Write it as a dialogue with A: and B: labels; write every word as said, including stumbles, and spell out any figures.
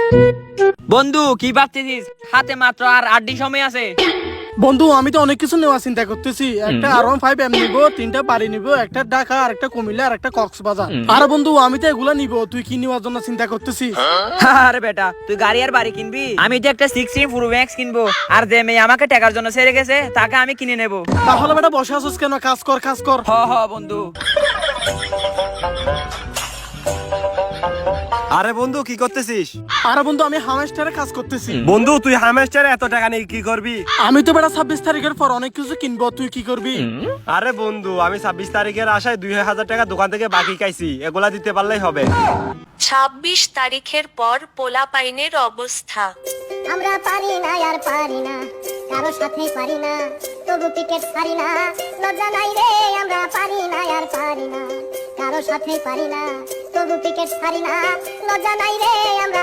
A: বন্ধু কি ভাবতেছিস? হাতে মাত্র আর আট দিন সময় আছে।
B: বন্ধু আমি তো অনেক কিছু নেওয়া চিন্তা করতেছি। একটা আর ওয়ান ফাইভ এম নিবো, তিনটা বাড়ি নিবো, একটা ঢাকা, আর একটা কুমিল্লা, আর একটা কক্সবাজার। আর বন্ধু আমি তো এগুলা নিবো, তুই কি নেওয়ার জন্য চিন্তা করতেছিস?
A: আরে বেটা, তুই গাড়ি আর বাড়ি কিনবি, আমি তো একটা সিক্সটিন প্রো ম্যাক্স কিনবো। আর যে মেয়ে আমাকে টাকার জন্য ছেড়ে গেছে তাকে আমি কিনে নেবো।
B: তাহলে বেটা বসে আছিস কেন? কাজ কর, কাজ কর।
A: হ হ বন্ধু।
C: আরে বন্ধু কি করতেছিস?
B: আরে বন্ধু আমি হামেস্টারে কাজ করতেছি।
C: বন্ধু তুই হামেস্টারে এত টাকা নিয়ে কি করবি?
B: আমি তো বেটা ছাব্বিশ তারিখের পর অনেক কিছু কিনবো, তুই কি করবি?
C: আরে বন্ধু আমি ছাব্বিশ তারিখের আশায় দুই হাজার টাকা দোকান থেকে বাকি খাইছি, এগুলা দিতে পারলেই হবে।
D: ছাব্বিশ তারিখের পর পোলাপাইনের অবস্থা।
E: আমরা পারি না আর পারি না, কারো সাথে পারি না, তবু টিকেট ছাড়ি না, লজ্জা নাই রে। আমরা পারি না আর পারি না, কারো সাথে পারি না, তবু টিকেট ছাড়ি না, লজ্জা নাই রে। আমরা